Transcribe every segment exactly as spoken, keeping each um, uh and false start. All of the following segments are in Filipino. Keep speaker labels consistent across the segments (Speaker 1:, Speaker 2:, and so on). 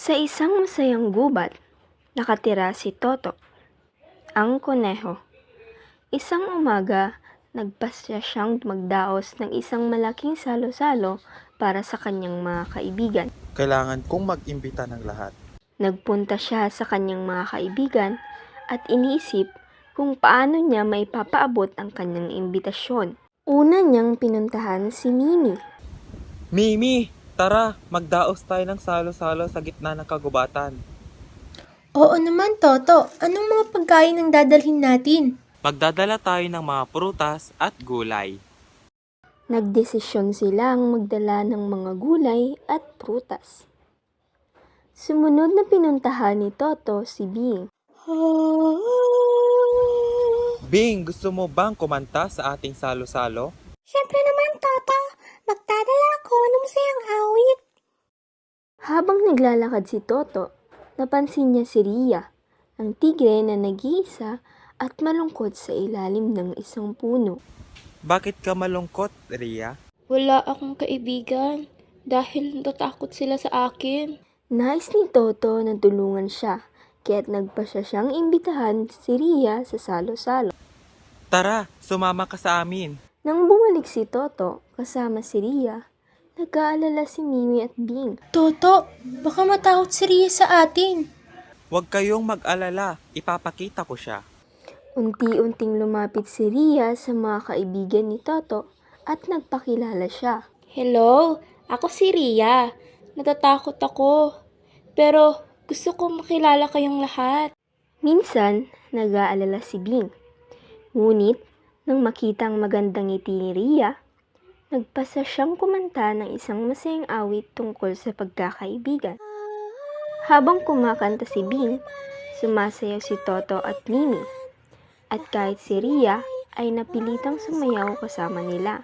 Speaker 1: Sa isang masayang gubat, nakatira si Toto, ang koneho. Isang umaga, nagpasya siyang magdaos ng isang malaking salo-salo para sa kanyang mga kaibigan.
Speaker 2: Kailangan kong mag-imbita ng lahat.
Speaker 1: Nagpunta siya sa kanyang mga kaibigan at iniisip kung paano niya maipapaabot ang kanyang imbitasyon. Una niyang pinuntahan si Mimi.
Speaker 2: Mimi, tara, magdaos tayo ng salo-salo sa gitna ng kagubatan.
Speaker 3: Oo naman, Toto. Anong mga pagkain ang dadalhin natin?
Speaker 2: Magdadala tayo ng mga prutas at gulay.
Speaker 1: Nagdesisyon silang magdala ng mga gulay at prutas. Sumunod na pinuntahan ni Toto si Bing.
Speaker 2: Bing, gusto mo bang kumanta sa ating salo-salo?
Speaker 4: Siyempre naman, Toto. Magdadala ako ng masayang awit.
Speaker 1: Habang naglalakad si Toto, napansin niya si Ria, ang tigre na nag-iisa at malungkot sa ilalim ng isang puno.
Speaker 2: Bakit ka malungkot, Ria?
Speaker 5: Wala akong kaibigan dahil natatakot sila sa akin.
Speaker 1: Nais ni Toto na tulungan siya, kaya't nagpasya siyang imbitahan si Ria sa salo-salo.
Speaker 2: Tara, sumama ka sa amin.
Speaker 1: Nang bumalik si Toto kasama si Ria, nag-aalala si Mimi at Bing.
Speaker 3: Toto, baka matakot si Ria sa atin.
Speaker 2: Huwag kayong mag-alala, ipapakita ko siya.
Speaker 1: Unti-unting lumapit si Ria sa mga kaibigan ni Toto at nagpakilala siya.
Speaker 5: Hello, ako si Ria. Natatakot ako. Pero gusto ko makilala kayong lahat.
Speaker 1: Minsan, nag-aalala si Bing. Ngunit, nang makita ang magandang ngiti ni Ria, nagpasa siyang kumanta ng isang masayang awit tungkol sa pagkakaibigan. Habang kumakanta si Bing, sumasayaw si Toto at Mimi. At kahit si Ria ay napilitang sumayaw kasama nila.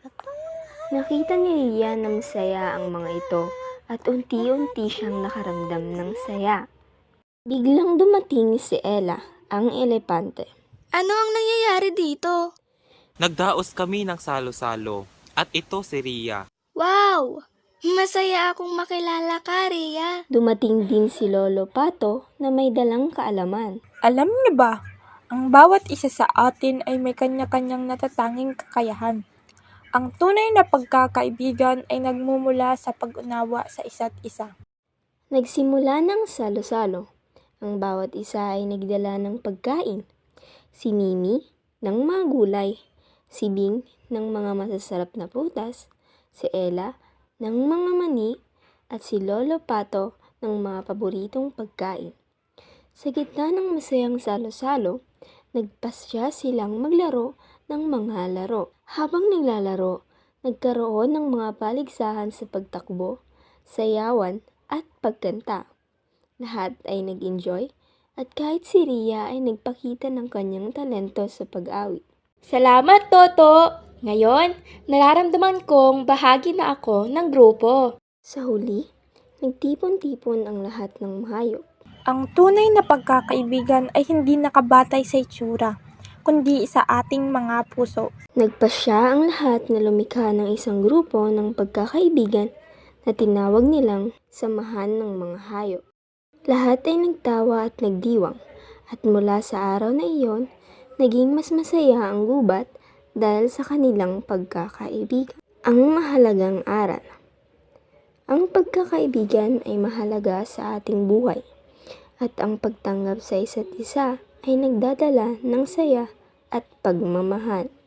Speaker 1: Nakita ni Ria na masaya ang mga ito at unti-unti siyang nakaramdam ng saya. Biglang dumating si Ella, ang elepante.
Speaker 4: Ano ang nangyayari dito?
Speaker 2: Nagdaos kami ng salo-salo at ito si Ria.
Speaker 4: Wow! Masaya akong makilala ka, Rhea.
Speaker 1: Dumating din si Lolo Pato na may dalang kaalaman.
Speaker 6: Alam niyo ba, ang bawat isa sa atin ay may kanya-kanyang natatanging kakayahan. Ang tunay na pagkakaibigan ay nagmumula sa pag-unawa sa isa't isa.
Speaker 1: Nagsimula ng salo-salo. Ang bawat isa ay nagdala ng pagkain. Si Mimi ng mga gulay, si Bing ng mga masasarap na prutas, si Ella ng mga mani, at si Lolo Pato ng mga paboritong pagkain. Sa gitna ng masayang salo-salo, nagpasya silang maglaro ng mga laro. Habang naglalaro, nagkaroon ng mga paligsahan sa pagtakbo, sayawan at pagkanta. Lahat ay nag-enjoy at kahit si Ria ay nagpakita ng kanyang talento sa pag-awit.
Speaker 5: Salamat, Toto! Ngayon, nararamdaman kong bahagi na ako ng grupo.
Speaker 1: Sa huli, nagtipon-tipon ang lahat ng hayop.
Speaker 6: Ang tunay na pagkakaibigan ay hindi nakabatay sa itsura, kundi sa ating mga puso.
Speaker 1: Nagpasya ang lahat na lumikha ng isang grupo ng pagkakaibigan na tinawag nilang Samahan ng Mga Hayop. Lahat ay nagtawa at nagdiwang, at mula sa araw na iyon, naging mas masaya ang gubat dahil sa kanilang pagkakaibigan. Ang mahalagang aral. Ang pagkakaibigan ay mahalaga sa ating buhay, at ang pagtanggap sa isa't isa ay nagdadala ng saya at pagmamahal.